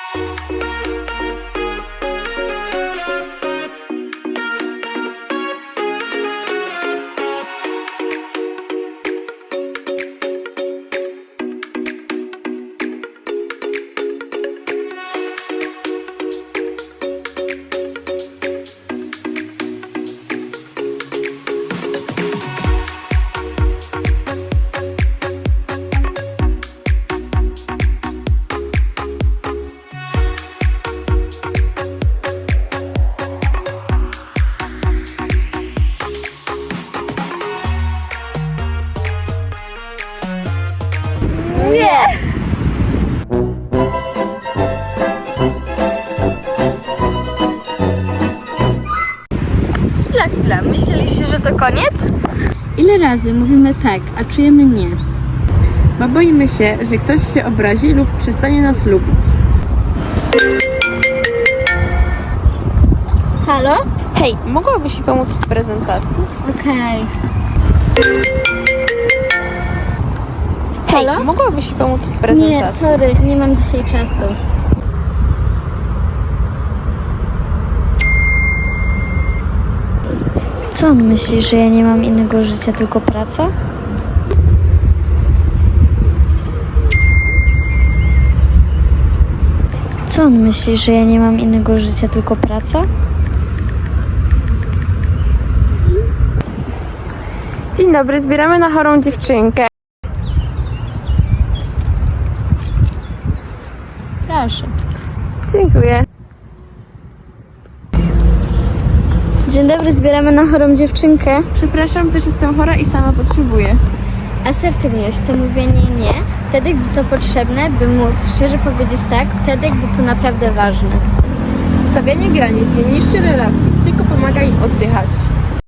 Nie! Chwila. Myśleliście, że to koniec? Ile razy mówimy tak, a czujemy nie? Bo boimy się, że ktoś się obrazi lub przestanie nas lubić. Halo? Hej, mogłabyś mi pomóc w prezentacji? Okej. Hej, Halo? mogłabyś mi pomóc w Nie, prezentacji? sorry, nie mam dzisiaj czasu. Co on myśli, że ja nie mam innego życia, tylko praca? Co on myśli, że ja nie mam innego życia, tylko praca? Dzień dobry, zbieramy na chorą dziewczynkę. Proszę. Dziękuję. Dzień dobry, zbieramy na chorą dziewczynkę. Przepraszam, też jestem chora i sama potrzebuję. Asertywność to mówienie nie, wtedy gdy to potrzebne, by móc szczerze powiedzieć tak, wtedy gdy to naprawdę ważne. Stawianie granic nie niszczy relacji.